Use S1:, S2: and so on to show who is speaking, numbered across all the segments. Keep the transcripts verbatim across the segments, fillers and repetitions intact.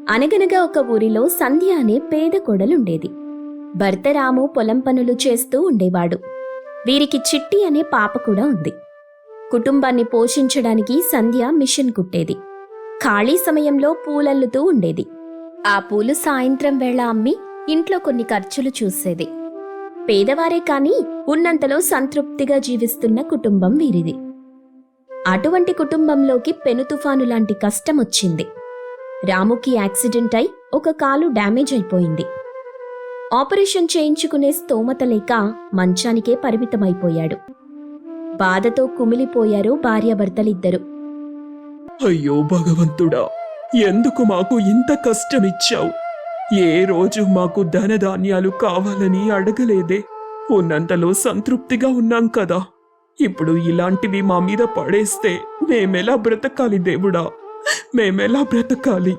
S1: అనగనగా ఒక ఊరిలో సంధ్య అనే పేద కొడలుండేది. భర్త రాము పొలం పనులు చేస్తూ ఉండేవాడు. వీరికి చిట్టి అనే పాప కూడా ఉంది. కుటుంబాన్ని పోషించడానికి సంధ్య మిషన్ కుట్టేది. ఖాళీ సమయంలో పూలల్లుతూ ఉండేది. ఆ పూలు సాయంత్రం వేళ అమ్మి ఇంట్లో కొన్ని ఖర్చులు చూసేది. పేదవారే కాని ఉన్నంతలో సంతృప్తిగా జీవిస్తున్న కుటుంబం వీరిది. అటువంటి కుటుంబంలోకి పెను తుఫాను లాంటి కష్టం వచ్చింది. రాముకి యాక్సిడెంట్ అయి ఒక కాలు డ్యామేజ్ అయిపోయింది. ఆపరేషన్ చేయించుకునే స్తోమత లేక మంచానికే పరిమితమైపోయాడు. బాధతో కుమిలిపోయారు భార్యాభర్తలిద్దరూ.
S2: అయ్యో భగవంతుడా, ఎందుకు మాకు ఇంత కష్టమిచ్చావు? ఏ రోజు మాకు ధనధాన్యాలు కావాలని అడగలేదే. ఉన్నంతలో సంతృప్తిగా ఉన్నాం కదా. ఇప్పుడు ఇలాంటివి మా మీద పడేస్తే మేమెలా బ్రతకాలి దేవుడా, మేమెలా బ్రతకాలి?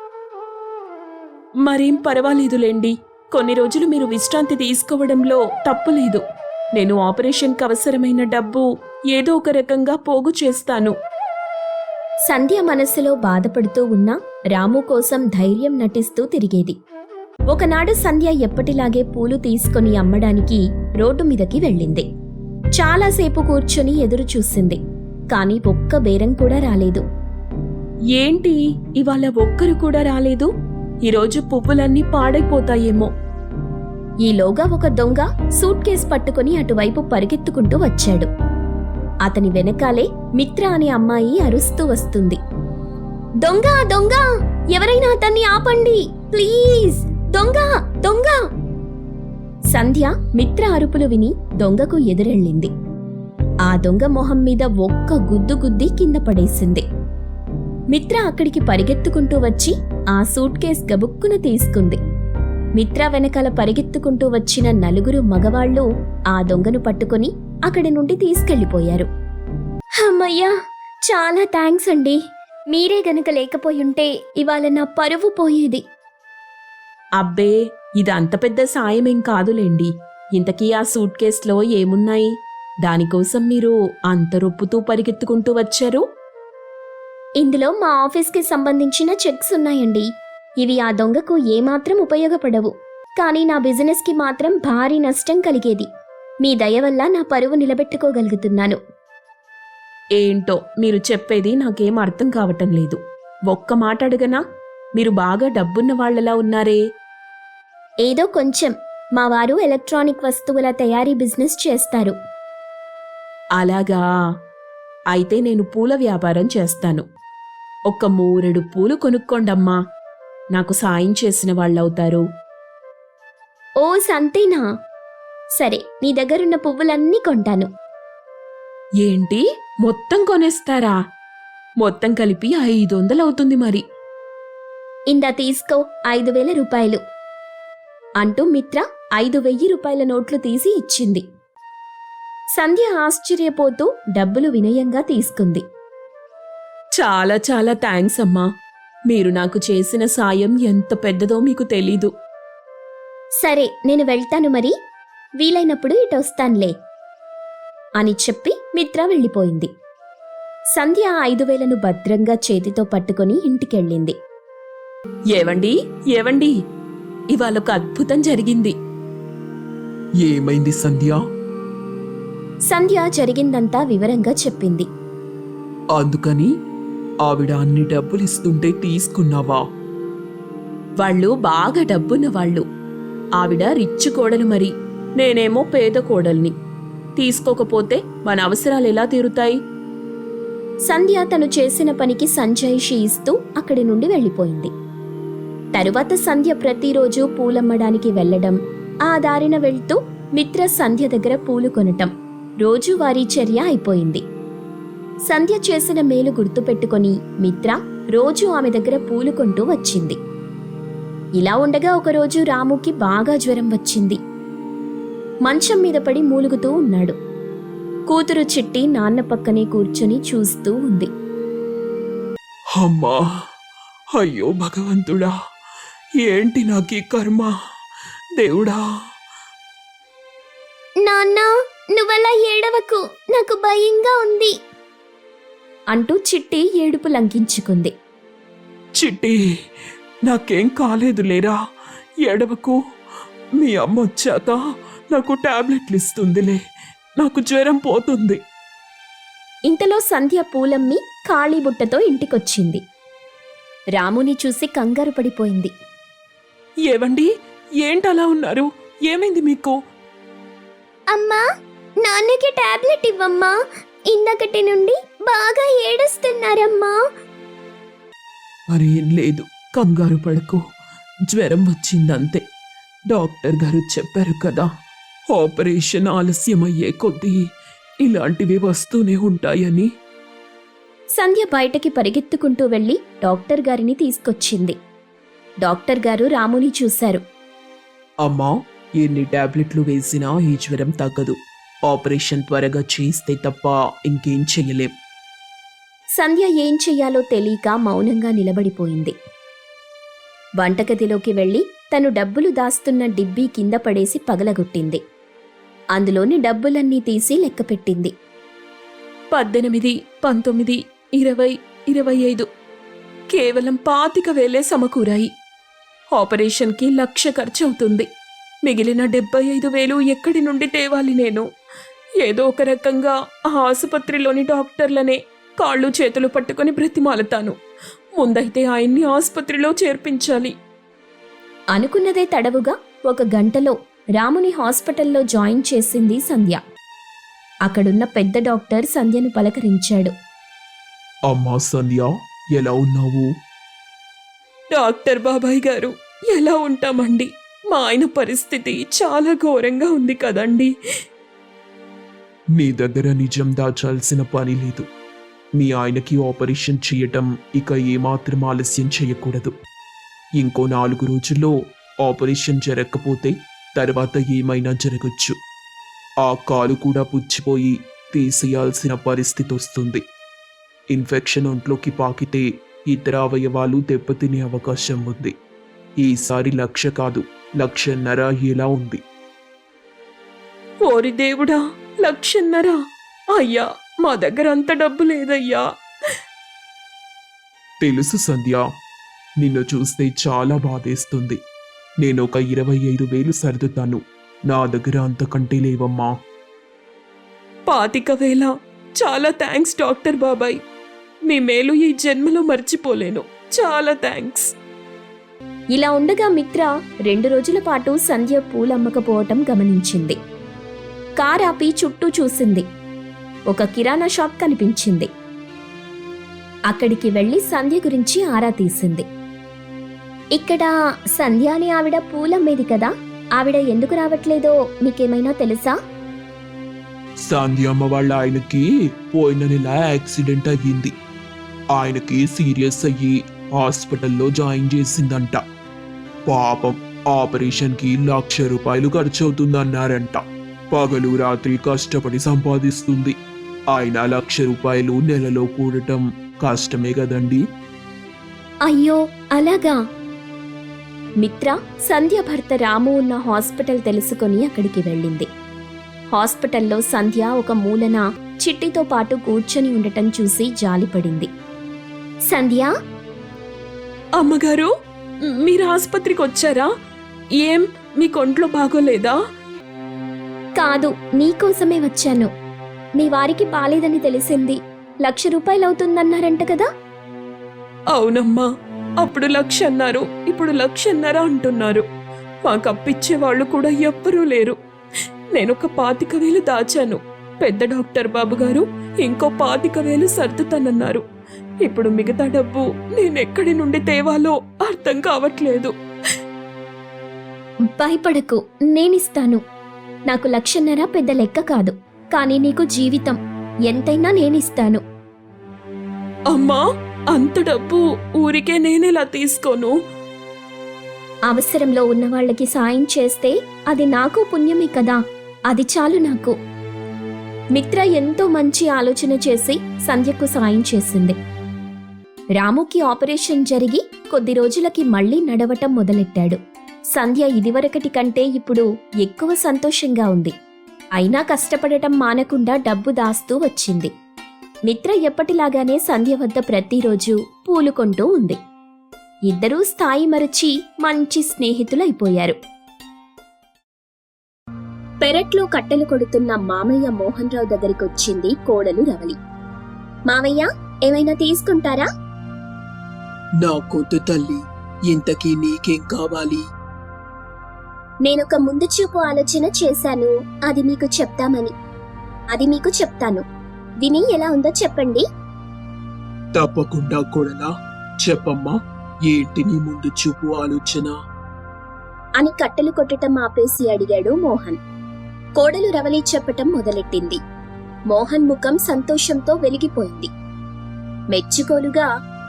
S3: మరేం పర్వాలేదులేండి, కొన్ని రోజులు మీరు విశ్రాంతి తీసుకోవడంలో తప్పులేదు. నేను ఆపరేషన్కి అవసరమైన డబ్బు ఏదో ఒక రకంగా పోగు చేస్తాను.
S1: సంధ్య మనస్సులో బాధపడుతూ ఉన్నా రాము కోసం ధైర్యం నటిస్తూ తిరిగేది. ఒకనాడు సంధ్య ఎప్పటిలాగే పూలు తీసుకొని అమ్మడానికి రోడ్డు మీదకి వెళ్ళింది. చాలాసేపు కూర్చుని ఎదురు చూసింది, కాని ఒక్క బేరం కూడా రాలేదు.
S3: ఏంటి ఇవాళ ఒక్కరు కూడా రాలేదు? ఈరోజు పువ్వులన్నీ పాడైపోతాయేమో.
S1: ఈలోగా ఒక దొంగ సూట్ కేస్ పట్టుకుని అటువైపు పరిగెత్తుకుంటూ వచ్చాడు. అతని వెనకాలే మిత్ర అనే అమ్మాయి అరుస్తూ వస్తుంది. దొంగ దొంగ, ఎవరైనా అతన్ని ఆపండి ప్లీజ్, దొంగ దొంగ! సంధ్య మిత్ర అరుపులు విని దొంగకు ఎదురెళ్ళింది. ఆ దొంగ మొహం మీద ఒక్క గుద్దు గుద్ది కింద పడేసింది. మిత్ర అక్కడికి పరిగెత్తుకుంటూ వచ్చి ఆ సూట్ కేస్ గబుక్కున తీసుకుంది. మిత్ర వెనకాల పరిగెత్తుకుంటూ వచ్చిన నలుగురు మగవాళ్లు ఆ దొంగను పట్టుకుని అక్కడి నుండి తీసుకెళ్లిపోయారు. అమ్మయ్యా, చాలా థ్యాంక్స్ అండి. మీరే గనక లేకపోయుంటే ఇవాళ నా పరువు పోయేది.
S3: అబ్బే, ఇది అంత పెద్ద సాయమేం కాదులేండి. ఇంతకీ ఆ సూట్ కేసులో ఏమున్నాయి? దానికోసం మీరు అంత రొప్పుతూ పరిగెత్తుకుంటూ వచ్చారు?
S1: ఇందులో మా ఆఫీస్కి సంబంధించిన చెక్స్ ఉన్నాయండి. ఇవి ఆ దొంగకు ఏమాత్రం ఉపయోగపడవు, కానీ నా బిజినెస్కి మాత్రం భారీ నష్టం కలిగేది. మీ దయ వల్ల నా పరువు నిలబెట్టుకోగలుగుతున్నాను.
S3: ఏంటో మీరు చెప్పేది నాకేం అర్థం కావటం లేదు. ఒక్క మాట అడగనా? మీరు బాగా డబ్బున్న వాళ్లలా ఉన్నారే.
S1: ఏదో కొంచెం. మా వారు ఎలక్ట్రానిక్ వస్తువుల తయారీ బిజినెస్ చేస్తారు.
S3: అలాగా? అయితే నేను పూల వ్యాపారం చేస్తాను. ఒక్క మూరెడు పూలు కొనుక్కోండమ్మా, నాకు సాయం చేసిన వాళ్ళవుతారు.
S1: ఓ సంతేనా? సరే, నీ దగ్గరున్న పువ్వులన్నీ కొంటాను.
S3: ఏంటి, మొత్తం కొనేస్తారా? మొత్తం కలిపి ఐదు వందలవుతుంది మరి.
S1: ఇందా తీసుకో, ఐదు వేల రూపాయలు అంటూ మిత్ర ఐదు వెయ్యి రూపాయల నోట్లు తీసి ఇచ్చింది. సంధ్య ఆశ్చర్యపోతూ డబ్బులు వినయంగా తీసుకుంది.
S3: చాలా చాలా థ్యాంక్స్ అమ్మా. మీరు నాకు చేసిన సాయం ఎంత పెద్దదో మీకు తెలీదు.
S1: సరే, నేను వెళ్తాను మరి. వీలైనప్పుడు ఇటొస్తాన్లే అని చెప్పి మిత్ర వెళ్ళిపోయింది. సంధ్య ఐదు వేలను భద్రంగా చేతితో పట్టుకుని ఇంటికెళ్ళింది.
S3: ఏవండి ఏవండి, ఇవాళొక అద్భుతం జరిగింది.
S2: ఏమైంది సంధ్య?
S1: సంధ్య జరిగిందంతా వివరంగా చెప్పింది.
S2: అందుకని ఆవిడ అన్ని డబ్బులిస్తుంటే తీసుకున్నావా?
S3: వాళ్ళు బాగా డబ్బున్న వాళ్ళు. ఆవిడ రిచ్ కోడలు మరి, నేనేమో పేద కోడల్ని. తీసుకోకపోతే మన అవసరాలు ఎలా తీరుతాయి?
S1: సంధ్య తను చేసిన పనికి సంజాయిషి ఇస్తూ అక్కడి నుండి వెళ్ళిపోయింది. తరువాత సంధ్య ప్రతిరోజు పూలమ్మడానికి వెళ్లడం, ఆ దారిన వెళ్తూ మిత్ర సంధ్య దగ్గర పూలు కొనటం రోజువారీ చర్య అయిపోయింది. సంధ్య చేసిన మేలు గుర్తుపెట్టుకుని మిత్ర రోజూ ఆమె దగ్గర పూలు కొంటూ వచ్చింది. ఇలా ఉండగా ఒకరోజు రాముకి బాగా జ్వరం వచ్చింది. మంచం మీద పడి మూలుగుతూ ఉన్నాడు. కూతురు చిట్టి నాన్న పక్కనే కూర్చుని చూస్తూ ఉంది.
S2: అమ్మా, అయ్యో భగవంతుడా, ఏంటి నాకీ కర్మ? దేవుడా!
S1: నాన్న, నువ్వలా ఏడవకు, నాకు భయంగా ఉంది అంటూ చిట్టి ఏడుపు లంకించుకుంది.
S2: చిట్టి, నాకేం కాలేదు లేరా, ఎడవకు. మీ అమ్మ వచ్చాక నాకు టాబ్లెట్లు ఇస్తుందిలే, నాకు జ్వరం పోతుంది.
S1: ఇంతలో సంధ్య పూలమ్మి ఖాళీ బుట్టతో ఇంటికొచ్చింది. రాముని చూసి కంగారు పడిపోయింది.
S2: ఏవండి, ఏంటలా ఉన్నారు? ఏమైంది మీకు?
S1: అమ్మా, నాన్నకి టాబ్లెట్ ఇవ్వమ్మా, ఇందకటి నుండి బాగా ఏడుస్తున్నారమ్మా.
S2: మరేం లేదు, కంగారు పడకు. జ్వరం వచ్చిందంతే. డాక్టర్ గారు చెప్పారు కదా, ఆపరేషన్ ఆలస్యమయ్యే కొద్దీ ఇలాంటివి వస్తూనే ఉంటాయని.
S1: సంధ్య బయటకి పరిగెత్తుకుంటూ వెళ్లి డాక్టర్ గారిని తీసుకొచ్చింది. డాక్టర్ గారు రాముని చూశారు.
S2: అమ్మా, ఎన్ని టాబ్లెట్లు వేసినా ఈ జ్వరం తగ్గదు. ఆపరేషన్ త్వరగా చేస్తే తప్ప ఇంకేం చెయ్యలేం.
S1: సంధ్య ఏం చెయ్యాలో తెలియక మౌనంగా నిలబడిపోయింది. వంటగదిలోకి వెళ్లి తను డబ్బులు దాస్తున్న డిబ్బీ కింద పడేసి పగలగొట్టింది. అందులోని డబ్బులన్నీ తీసి లెక్కపెట్టింది.
S3: పద్దెనిమిది, పంతొమ్మిది, ఇరవై, ఇరవై ఐదు, కేవలం పాతిక వేలే సమకూరాయి. ఆపరేషన్కి లక్ష ఖర్చు అవుతుంది. మిగిలిన డెబ్బై ఐదు వేలు ఎక్కడి నుండి తేవాలి నేను? ఏదో ఒక రకంగా ఆ ఆసుపత్రిలోని డాక్టర్లనే కాళ్ళు చేతులు పట్టుకొని బ్రతిమాలతాను. ముందైతే ఆయన్ని ఆసుపత్రిలో చేర్పించాలి.
S1: అనుకున్నదే తడవుగా ఒక గంటలో రాముని హాస్పిటల్లో జాయిన్ చేసింది సంధ్య. అక్కడున్న పెద్ద డాక్టర్ సంధ్యను పలకరించాడు.
S2: అమ్మా సంధ్య, ఎలా ఉన్నావు?
S3: డాక్టర్ బాబాయ్ గారు, ఎలా ఉంటామండి? మా ఆయన పరిస్థితి చాలా ఘోరంగా ఉంది కదండి.
S2: నీ దగ్గర నిజం దాచాల్సిన పని లేదు. మీ ఆయనకి ఆపరేషన్ చేయటం ఇక ఏమాత్రం ఆలస్యం చేయకూడదు. ఇంకో నాలుగు రోజుల్లో ఆపరేషన్ జరగకపోతే తర్వాత ఏమైనా జరగచ్చు. ఆ కాలు కూడా పుచ్చిపోయి తీసేయాల్సిన పరిస్థితి వస్తుంది. ఇన్ఫెక్షన్ ఒంట్లోకి పాకితే ఇతర అవయవాలు దెబ్బతినే అవకాశం ఉంది. ఈసారి లక్ష కాదు, లక్షన్నర ఎలా ఉంది.
S3: ఓరి దేవుడా, లక్షన్నరా? అయ్యా, మా దగ్గర అంత డబ్బు లేదయ్యా.
S2: తెలుసు సంధ్య, నిన్ను చూస్తే చాలా బాధేస్తుంది. నేను ఒక ఇరవై ఐదు వేలు సర్దుతాను. నా దగ్గర అంతకంటే లేవమ్మా.
S3: పాతిక వేల? చాలా థ్యాంక్స్ డాక్టర్ బాబాయ్. మీ మేలు ఈ జన్మలో మర్చిపోలేను. చాలా థ్యాంక్స్.
S1: ఇలా ఉండగా మిత్ర రెండు రోజుల పాటు సంధ్య పూలమ్మకపోవటం గమనించింది. కారాపి చుట్టూ చూసింది. ఒక కిరాణా షాప్ కనిపించింది. అక్కడికి వెళ్లి సంధ్య గురించి ఆరా తీసింది. ఇక్కడ సంధ్య అని ఆవిడ పూలమ్మేది కదా, ఆవిడ ఎందుకు రావట్లేదో మీకేమైనా తెలుసా?
S2: సంధ్య అమ్మ వాళ్ళ ఆయనకి పోయిన నెల యాక్సిడెంట్ అయ్యింది. ఆయనకి సీరియస్ అయ్యి హాస్పిటల్లో జాయిన్ చేసిందంట. పాపం, ఆపరేషన్కి లక్ష రూపాయలు ఖర్చు అవుతుందన్నారంట. పగలు రాత్రి కష్టపడి సంపాదిస్తుంది. ఆయన లక్ష రూపాయలు నెలలో కూడటం కష్టమే కదండి.
S1: అయ్యో, అలాగా? మిత్ర సంధ్య భర్త రాము ఉన్న హాస్పిటల్ తెలుసుకొని అక్కడికి వెళ్ళింది. హాస్పిటల్లో సంధ్య ఒక మూలన చిట్టితో పాటు కూర్చొని ఉండటం చూసి జాలిపడింది. సంధ్య,
S3: అమ్మగారు, మీరు ఆసుపత్రికి వచ్చారా? ఏం, మీ కొంట్లో బాగోలేదా?
S1: కాదు, నీకోసమే వచ్చాను. మీ వారికి బాలేదని తెలిసింది. లక్ష రూపాయలవుతుందన్నారంట కదా?
S3: అవునమ్మా, అప్పుడు లక్ష అన్నారు, ఇప్పుడు లక్షన్నర అంటున్నారు. మాకు అప్పిచ్చే వాళ్ళు కూడా ఎవ్వరూ లేరు. నేనొక పాతిక వేలు దాచాను. పెద్ద డాక్టర్ బాబు గారు ఇంకో పాతిక వేలు సర్దుతానన్నారు. ఇప్పుడు మిగతా డబ్బు నేనెక్కడి నుండి తేవాలో అర్థం కావట్లేదు.
S1: భయపడకు, నేనిస్తాను. నాకు లక్షన్నర పెద్ద లెక్క కాదు, కానీ నీకు జీవితం ఎంతైనా నేనిస్తాను.
S3: అమ్మా, అంత డబ్బు ఊరికే నేనెలా తీసుకోను?
S1: అవసరంలో ఉన్న వాళ్ళకి సాయం చేస్తే అది నాకు పుణ్యమే కదా, అది చాలు నాకు. మిత్ర ఎంతో మంచి ఆలోచన చేసి సంధ్యకు సాయం చేసింది. రాముకి ఆపరేషన్ జరిగి కొద్ది రోజులకి మళ్లీ నడవటం మొదలెట్టాడు. సంధ్య ఇదివరకటి కంటే ఇప్పుడు ఎక్కువ సంతోషంగా ఉంది. అయినా కష్టపడటం మానకుండా డబ్బు దాస్తూ వచ్చింది. మిత్ర ఎప్పటిలాగానే సంధ్య వద్ద ప్రతిరోజు పూలు కొంటూ ఉంది. ఇద్దరూ స్థాయి మరచి మంచి స్నేహితులైపోయారు. పెరట్లో కట్టెలు కొడుతున్న మామయ్య మోహన్ రావు దగ్గరికొచ్చింది కోడలు రవలి. మావయ్య, ఏమైనా తీసుకుంటారా?
S4: నా కొద్దు తల్లి, ఇంతకీ నీకేం కావాలి?
S1: నేనొక ముందు చూపు ఆలోచన చేశాను, అది మీకు చెప్తామని. అది మీకు చెప్తాను, విని ఎలా ఉందో చెప్పండి.
S4: తప్పకుండా కొడలా, చెప్పమ్మా, ఏంటి నీ ముందు చూపు ఆలోచన?
S1: అని కట్టెలు కొట్టటం ఆపేసి అడిగాడు మోహన్. కోడలు రవలి చెప్పటం మొదలెట్టింది. మోహన్ ముఖం సంతోషంతో వెలిగిపోయింది. మెచ్చుకోలుగా,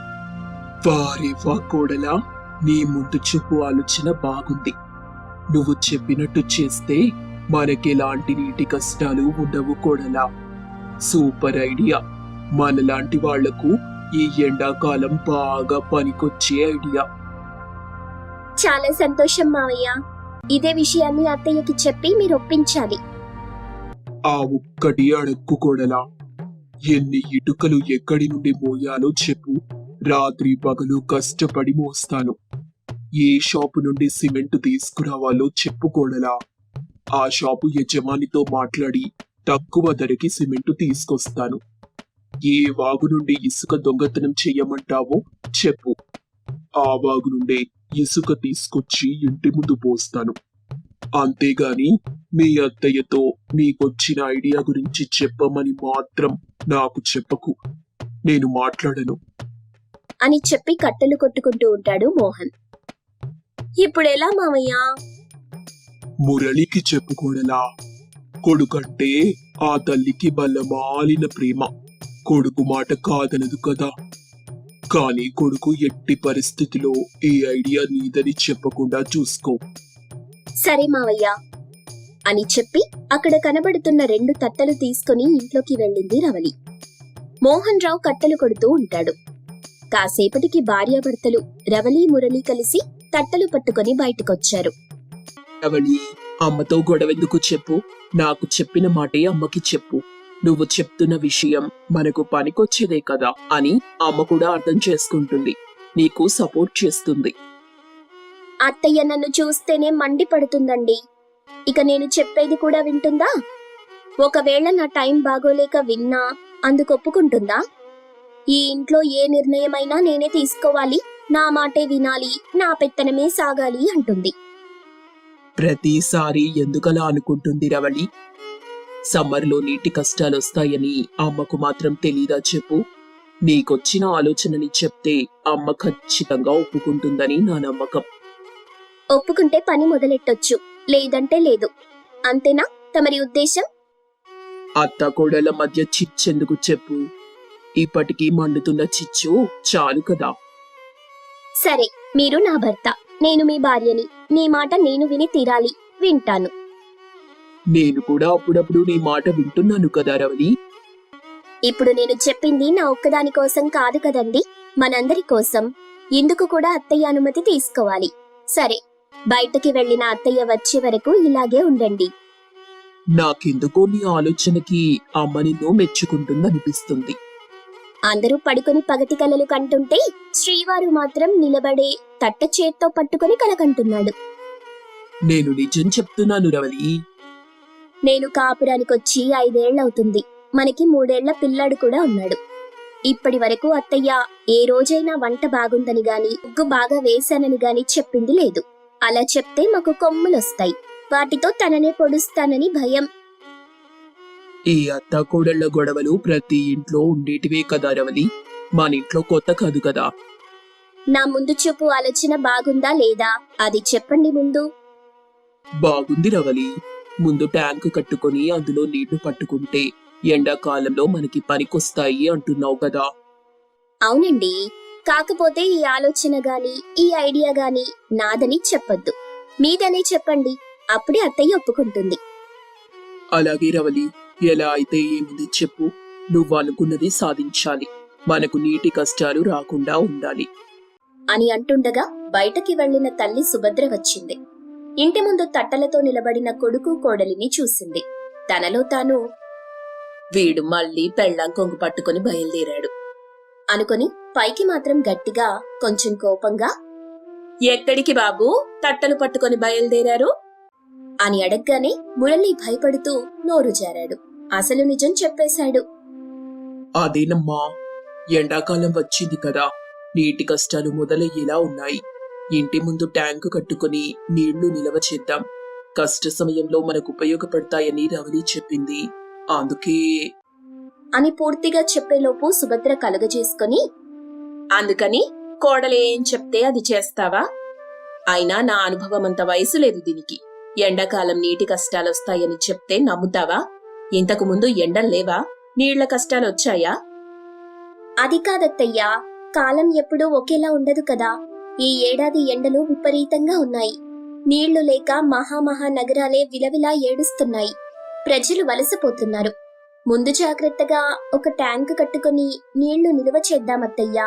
S4: వారే వా కోడలా, నీ ముందు చూపు ఆలోచన బాగుంది. నువ్వు చెప్పినట్టు చేస్తే మనకెలాంటి నీటి కష్టాలు ఉండవు కోడలా. Super idea. మనలాంటి వాళ్లకు ఈ ఎండాకాలం బాగా పనికొచ్చే ఐడియా.
S1: చాలా సంతోషం మావయ్య. ఇదే విషయాన్ని అత్తయ్యకి చెప్పి మీరు ఒప్పించాలి.
S4: ఆ ఒక్కటి అడక్కు కోడలా. ఎన్ని ఇటుకలు ఎక్కడి నుండి మోయాలో చెప్పు, రాత్రి పగలు కష్టపడి మోస్తాను. ఏ షాపు నుండి సిమెంట్ తీసుకురావాలో చెప్పు కోడలా. ఆ షాపు యజమానితో మాట్లాడి తక్కువ ధరకి సిమెంట్ తీసుకొస్తాను. ఏ వాగు నుండి ఇసుక దొంగతనం చెయ్యమంటావో చెప్పు, ఆ వాగు నుండే ఇసుక తీసుకొచ్చి ఇంటి ముందు పోస్తాను. అంతేగాని మీ అత్తయ్యతో నీకొచ్చిన ఐడియా గురించి చెప్పమని మాత్రం నాకు చెప్పకు. నేను మాట్లాడను
S1: అని చెప్పి కట్టెలు కొట్టుకుంటూ ఉంటాడు మోహన్. ఇప్పుడెలా మావయ్య?
S4: మురళికి చెప్పుకోడలా. కొడుకంటే ఆ తల్లికి బలమాలిన ప్రేమ. కొడుకు మాట కాదనదు కదా. కానీ కొడుకు ఎట్టి పరిస్థితిలో ఈ ఐడియా నీదని చెప్పకుండా చూసుకో.
S1: సరే మావయ్య అని చెప్పి అక్కడ కనబడుతున్న రెండు తట్టలు తీసుకుని ఇంట్లోకి వెళ్ళింది రవలి. మోహన్ రావు కట్టెలు కొడుతూ ఉంటాడు. కాసేపటికి భార్యాభర్తలు రవలి మురళి కలిసి తట్టలు పట్టుకొని బయటకొచ్చారు.
S4: రవళి, అమ్మతో గొడవెందుకు చెప్పు. నాకు చెప్పిన మాటే అమ్మకి చెప్పు. నువ్వు చెప్తున్న విషయం మనకు పనికొచ్చేదే కదా అని అమ్మ కూడా అర్థం చేసుకుంటుంది. నీకు సపోర్ట్ చేస్తుంది.
S1: అత్తయ్య నన్ను చూస్తేనే మండి పడుతుందండి. ఇక నేను చెప్పేది కూడా వింటుందా? ఒకవేళ నా టైం బాగోలేక విన్నా అందుకొప్పుకుంటుందా? ఈ ఇంట్లో ఏ నిర్ణయమైనా నేనే తీసుకోవాలి, నా మాటే వినాలి, నా పెత్తనమే సాగాలి అంటుంది.
S4: ప్రతిసారి ఎందుకలా అనుకుంటుంది రవళి? సమ్మర్లో నీటి కష్టాలొస్తాయని అమ్మకు మాత్రం తెలీదా చెప్పు? నీకొచ్చిన ఆలోచనని చెప్తే అమ్మ ఖచ్చితంగా ఒప్పుకుంటుందని నా నమ్మకం.
S1: ఒప్పుకుంటే పని మొదలెట్టొచ్చు, లేదంటే లేదు. అంతేనా తమరి ఉద్దేశం?
S4: అత్త కోడల మధ్య చిచ్చెందుకు చెప్పు? ఇప్పటికీ మండుతున్న చిచ్చు చాలు కదా.
S1: సరే, మీరు నా భర్త, నేను మీ భార్యని. నీ మాట నేను విని తీరాలి, వింటాను.
S4: నేను కూడా అప్పుడప్పుడు నీ మాట వింటున్నాను కదా రవలి.
S1: ఇప్పుడు నేను చెప్పింది నా ఒక్కదాని కోసం కాదు కదండి, మనందరి కోసం. ఇందుకు కూడా అత్తయ్య అనుమతి తీసుకోవాలి. సరే, బయటకి వెళ్లిన అత్తయ్య వచ్చే వరకు ఇలాగే ఉండండి.
S4: నాకెందుకో నీ ఆలోచనకి అమ్మ నిన్ను మెచ్చుకుంటుందనిపిస్తుంది.
S1: అందరూ పడుకొని పగటి కలలు కంటుంటే శ్రీవారు మాత్రం నిలబడే తట్ట చేత్తో పట్టుకొని కలకంటున్నాడు.
S4: నేను నిజం చెప్తున్నాను రవలి.
S1: నేను కాపురానికొచ్చి ఐదేళ్లవుతుంది. మనకి మూడేళ్ల పిల్లాడు కూడా ఉన్నాడు. ఇప్పటి వరకు అత్తయ్య ఏ రోజైనా వంట బాగుందని గాని, ఉగ్గు బాగా వేశానని గాని చెప్పింది లేదు. అలా చెప్తే మాకు కొమ్ములొస్తాయి, వాటితో తననే పొడుస్తానని భయం.
S4: ఈ అత్త కోడళ్ల గొడవలు ప్రతి ఇంట్లో ఉండేటివే కదా రవలి. మన ఇంట్లో కొత్త కాదు కదా.
S1: నా ముందు చూపు ఆలోచన బాగుందా లేదా అది చెప్పండి ముందు.
S4: బాగుంది రవలి. ముందు ట్యాంకు కట్టుకొని అందులో నీళ్లు పట్టుకుంటే ఎండాకాలంలో మనకి పనికొస్తాయి అంటున్నావు కదా.
S1: అవునండి, కాకపోతే ఈ ఆలోచన గాని ఈ ఐడియా గాని నాదని చెప్పొద్దు, మీదనే చెప్పండి. అప్పుడే అత్తయ్య ఒప్పుకుంటుంది.
S4: అలాగే రవలి, ఎలా అయితే ఏముంది చెప్పు. నువ్వు అనుకున్నది సాధించాలి. మనకు నీటి కష్టాలు రాకుండా ఉండాలి
S1: అని అంటుండగా బయటకి వెళ్లిన తల్లి సుభద్ర వచ్చింది. ఇంటి ముందు తట్టలతో నిలబడిన కొడుకు కోడలిని చూసింది. తనలో తాను,
S3: వీడు మళ్ళీ పెళ్ళాం కొంగు పట్టుకుని బయలుదేరాడు
S1: అనుకొని పైకి మాత్రం గట్టిగా కొంచెం కోపంగా
S3: ఎక్కడికి బాబు తట్టలు పట్టుకొని బయలుదేరారు?
S1: అని అడగ్గానే మురళి భయపడుతూ నోరు జారాడు. అసలు నిజం చెప్పేశాడు.
S4: అదేనమ్మా, ఎండాకాలం వచ్చింది కదా, నీటి కష్టాలు మొదలయ్యేలా ఉన్నాయి. ఇంటి ముందు ట్యాంకు కట్టుకుని నీళ్లు నిలవ చేద్దాం. కష్ట సమయంలో మనకు ఉపయోగపడతాయని రవలి చెప్పింది. అందుకే
S1: అని పూర్తిగా చెప్పేలోపు సుభద్ర కలుగజేసుకొని
S3: అందుకని కోడలేం చెప్తే అది చేస్తావా? అయినా నా అనుభవం అంత వయసు లేదు దీనికి. ఎండాకాలం నీటి కష్టాలొస్తాయని చెప్తే నమ్ముతావా? ఇంతకు ముందు ఎండలు లేవా? నీళ్ల కష్టాలొచ్చాయా?
S1: అది కాదత్తయ్యా, కాలం ఎప్పుడూ ఒకేలా ఉండదు కదా. ఈ ఏడాది ఎండలు విపరీతంగా ఉన్నాయి. నీళ్లు లేక మహామహా నగరాలే విలవిలా ఏడుస్తున్నాయి. ప్రజలు వలసపోతున్నారు. ముందు జాగ్రత్తగా ఒక ట్యాంకు కట్టుకుని నీళ్లు నిలువ చేద్దామత్తయ్యా.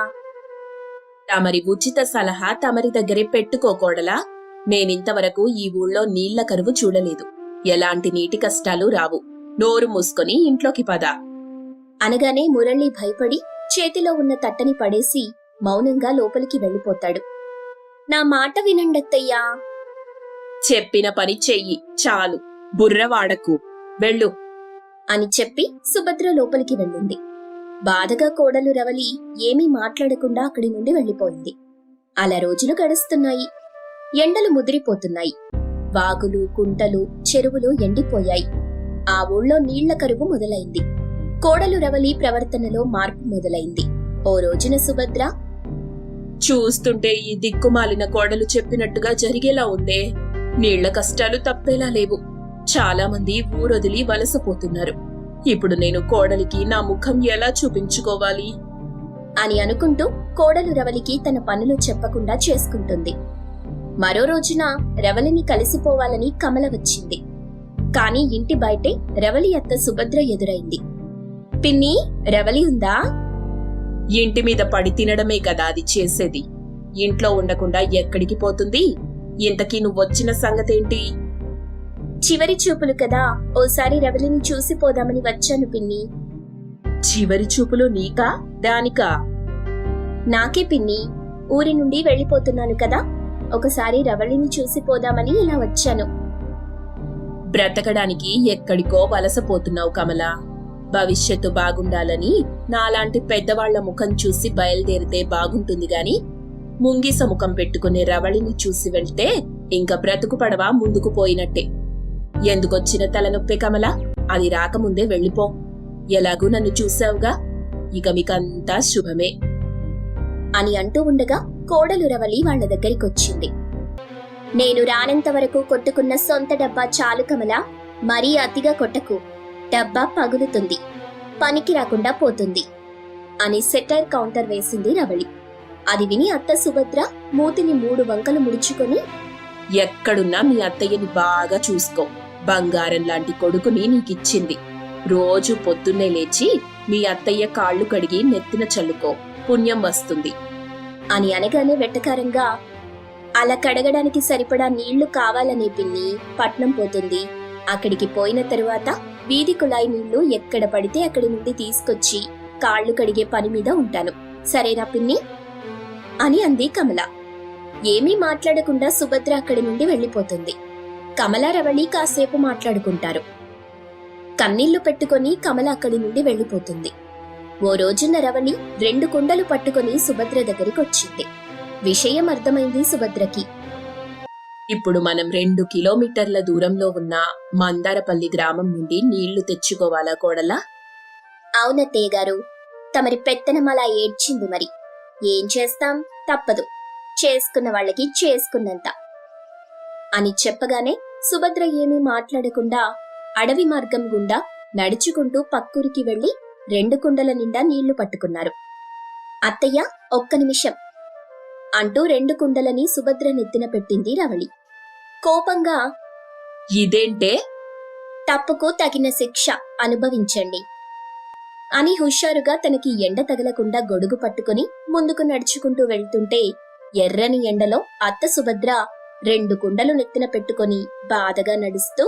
S3: తమరి ఉచిత సలహా తమరి దగ్గరే పెట్టుకోకూడలా? నేనింతవరకు ఈ ఊళ్ళో నీళ్ల కరువు చూడలేదు. ఎలాంటి నీటి కష్టాలు రావు. నోరు మూసుకొని ఇంట్లోకి పద.
S1: అనగానే మురళి భయపడి చేతిలో ఉన్న తట్టని పడేసి మౌనంగా లోపలికి వెళ్ళిపోతాడు. నా మాట వినండత్తయ్యా.
S3: చెప్పిన పని చెయ్యి చాలు, బుర్ర వాడకు. వెళ్ళు
S1: అని చెప్పి సుభద్ర లోపలికి వెళ్ళింది. బాధగా కోడలు రవలి ఏమీ మాట్లాడకుండా అక్కడి నుండి వెళ్ళిపోయింది. అలా రోజులు గడుస్తున్నాయి. ఎండలు ముదిరిపోతున్నాయి. వాగులు, కుంటలు, చెరువులు ఎండిపోయాయి. ఆ ఊళ్ళో నీళ్ల కరువు మొదలైంది. కోడలు రవలి ప్రవర్తనలో మార్పు మొదలైంది. ఓ రోజున సుభద్ర,
S3: చూస్తుంటే ఈ దిక్కుమాలిన కోడలు చెప్పినట్టుగా జరిగేలా ఉందే. నీళ్ల కష్టాలు తప్పేలా లేవు. చాలా మంది ఊరొదిలి వలసపోతున్నారు. ఇప్పుడు నేను కోడలికి నా ముఖం ఎలా చూపించుకోవాలి
S1: అని అనుకుంటూ కోడలు రవలికి తన పనులు చెప్పకుండా చేసుకుంటుంది. మరో రోజున రవలిని కలిసిపోవాలని కమల వచ్చింది. కాని ఇంటి బయటే రవలి అత్త సుభద్ర ఎదురైంది. పిన్ని, రవలి ఉందా?
S3: ఇంటి మీద పడి తినడమే కదా అది చేసేది. ఇంట్లో ఉండకుండా ఎక్కడికి పోతుంది? ఇంతకీ నువ్వొచ్చిన సంగతేంటి?
S1: చివరి చూపులు కదా, ఓసారి రవలిని చూసిపోదామని వచ్చాను పిన్ని.
S3: చివరి చూపులు నీకా దానికా?
S1: నాకే పిన్ని. ఊరి నుండి వెళ్ళిపోతున్నాను కదా, ఒకసారి రవలిని చూసిపోదామని ఇలా వచ్చాను.
S3: బ్రతకడానికి ఎక్కడికో వలసపోతున్నావు కమలా. భవిష్యత్తు బాగుండాలని నాలాంటి పెద్దవాళ్ల ముఖం చూసి బయలుదేరితే బాగుంటుంది గాని ముంగిస ముఖం పెట్టుకునే రవళిని చూసి వెళ్తే ఇంకా బ్రతుకు పడవా ముందుకు పోయినట్టే. ఎందుకొచ్చిన తలనొప్పే కమలా, అది రాకముందే వెళ్ళిపో. ఎలాగూ నన్ను చూసావుగా, ఇక మీకంతా శుభమే
S1: అని అంటూ ఉండగా కోడలు రవలి వాళ్ల దగ్గరికొచ్చింది. నేను రానంత వరకు కొట్టుకున్న సొంత డబ్బా చాలు కమలా, మరీ అతిగా కొట్టకు. డబ్బా పగులుతుంది, పనికి రాకుండా పోతుంది అని సెటైర్ కౌంటర్ వేసింది రవళి. అది విని అత్త సుభద్ర మూతిని మూడు వంకలు ముడుచుకొని,
S3: ఎక్కడున్నా మీ అత్తయ్యని బాగా చూసుకో. బంగారం లాంటి కొడుకుని నీకిచ్చింది. రోజు పొద్దున్నే లేచి మీ అత్తయ్య కాళ్ళు కడిగి నెత్తిన చల్లుకో, పుణ్యం వస్తుంది
S1: అని అనగానే వెట్టకారంగా, అలా కడగడానికి సరిపడా నీళ్లు కావాలనే పిన్ని, పట్నం పోతుంది. అక్కడికి పోయిన తరువాత వీధి కుళాయి నీళ్లు ఎక్కడ పడితే అక్కడి నుండి తీసుకొచ్చి కాళ్లు కడిగే పని మీద ఉంటాను, సరేనా పిన్ని అని అంది కమల. ఏమీ మాట్లాడకుండా సుభద్ర అక్కడి నుండి వెళ్లిపోతుంది. కమల రవళి కాసేపు మాట్లాడుకుంటారు. కన్నీళ్లు పెట్టుకొని కమల అక్కడి నుండి వెళ్లిపోతుంది. ఓ రోజున రవళి రెండు కుండలు పట్టుకొని సుభద్ర దగ్గరికి వచ్చింది. విషయం అర్థమైంది సుభద్రకి.
S3: ఇప్పుడు మనం రెండు కిలోమీటర్ల దూరంలో ఉన్న మందారపల్లి గ్రామం నుండి నీళ్లు తెచ్చుకోవాలా కోడలా?
S1: అవునత్తయ్య గారు, తమరి పెత్తనం అలా ఏడ్చింది. మరి ఏం చేస్తాం, తప్పదు. చేసుకున్న వాళ్ళకి చేసుకున్నంత అని చెప్పగానే సుభద్ర ఏమీ మాట్లాడకుండా అడవి మార్గం గుండా నడుచుకుంటూ పక్కూరికి వెళ్లి రెండు కుండల నిండా నీళ్లు పట్టుకున్నారు. అత్తయ్య, ఒక్క నిమిషం అంటూ రెండు కుండలని సుభద్ర నెత్తిన పెట్టింది రవళి. కోపంగా,
S3: ఇదేంటే?
S1: తప్పుకు తగిన శిక్ష అనుభవించండి అని హుషారుగా తనకి ఎండ తగలకుండా గొడుగు పట్టుకుని ముందుకు నడుచుకుంటూ వెళ్తుంటే ఎర్రని ఎండలో అత్త సుభద్ర రెండు కుండలు నెత్తిన పెట్టుకుని బాధగా నడుస్తూ,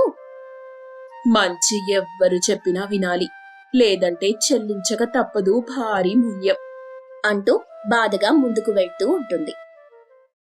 S3: మంచి ఎవ్వరు చెప్పినా వినాలి, లేదంటే చెల్లించక తప్పదు భారీ మూల్యం
S1: అంటూ బాధగా ముందుకు వెళ్తూ ఉంటుంది.